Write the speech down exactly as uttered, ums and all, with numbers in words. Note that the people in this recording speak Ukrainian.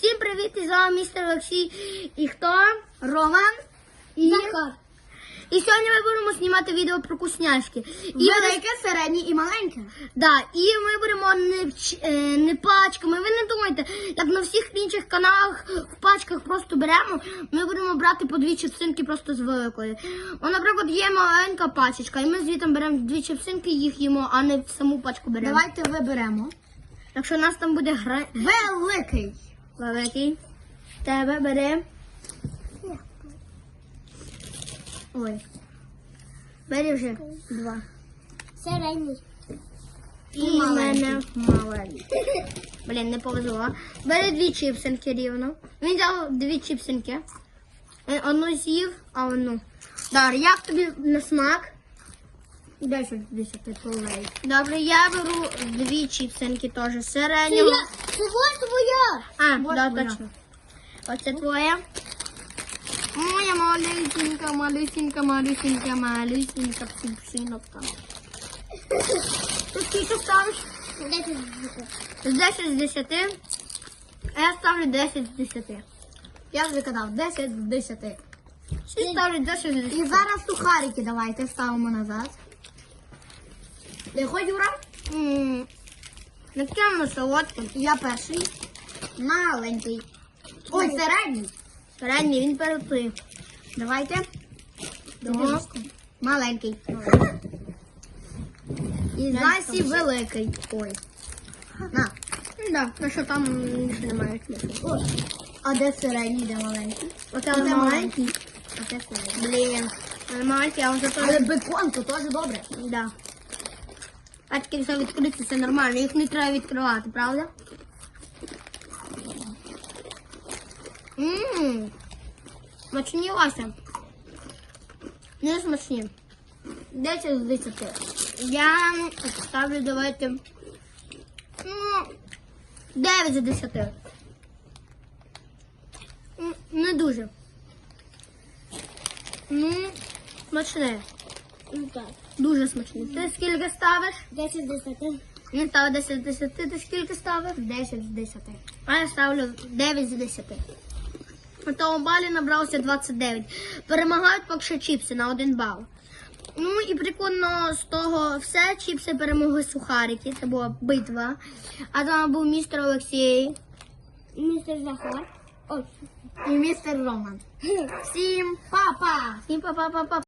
Всім привіт, і з вами містер Олексій. І хто? Роман. І... Захар. І сьогодні ми будемо знімати відео про вкусняшки. І Велике, середнє і маленьке. Да, і ми будемо не, вч- е, не пачками. Ви не думайте, як на всіх інших каналах в пачках просто беремо. Ми будемо брати по дві чіпсинки просто з великої. О, наприклад, є маленька пачечка, і ми звідти беремо дві чіпсинки, їх їмо, а не саму пачку беремо. Давайте виберемо. Якщо у нас там буде гра... Великий. Великий. Тебе бери. Ой. Бери вже два. Середній. І в мене маленький. Блін, не повезло. Бери дві чіпсинки рівно. Він взяв дві чіпсинки. Він одну з'їв, а одну. Дар, як тобі на смак? десять з десяти полей. Добре, я беру дві чіпсинки теж середнього. Це ось твоя. А, Вот да, твоя. точно. Оце твоя. Моя малюсінька, малюсінька, малюсінька, малюсінька псинка. Ти скільки ставиш? З десять з десяти. А я ставлю десять з десяти. Я вже казав, десять з десяти. Всі ставлять десять з І десяти. зараз сухарики давайте ставимо назад. Ти хоч, Юра? Ммм. Накинемо солодким. Я перший. Маленький. Ой, середній. Середній, він перепив. Давайте. Ого. Маленький. І Я Насі там- великий. Ой. На. Да, ну що там більше немає смисла. Ось. А де середній, де маленький? Оце Оце маленький. маленький. А це середній. Блін. Маленький, а он зато... Але бекон, то теж добре. Да. Пачки все відкриті, це нормально. Їх не треба відкривати, правда? Ммм. Смачні, Вася. Не смачні. десять з десяти. Я ставлю, давайте, ну, дев'ять з десяти. М, Не дуже. Ну, смачне. Ну так. Дуже смачний. Ти скільки ставиш? десять з десяти. Він ставить десять з десяти. Ти скільки ставиш? десять з десяти. А я ставлю дев'ять з десяти. На тому балі набрався двадцять дев'ять. Перемагають поки що чіпси на один бал. Ну і прикольно з того все. Чіпси перемогли сухарики. Це була битва. А там був містер Олексій. Містер Захар. Ой. І містер Роман. Всім Папа! всім па-па-па-па.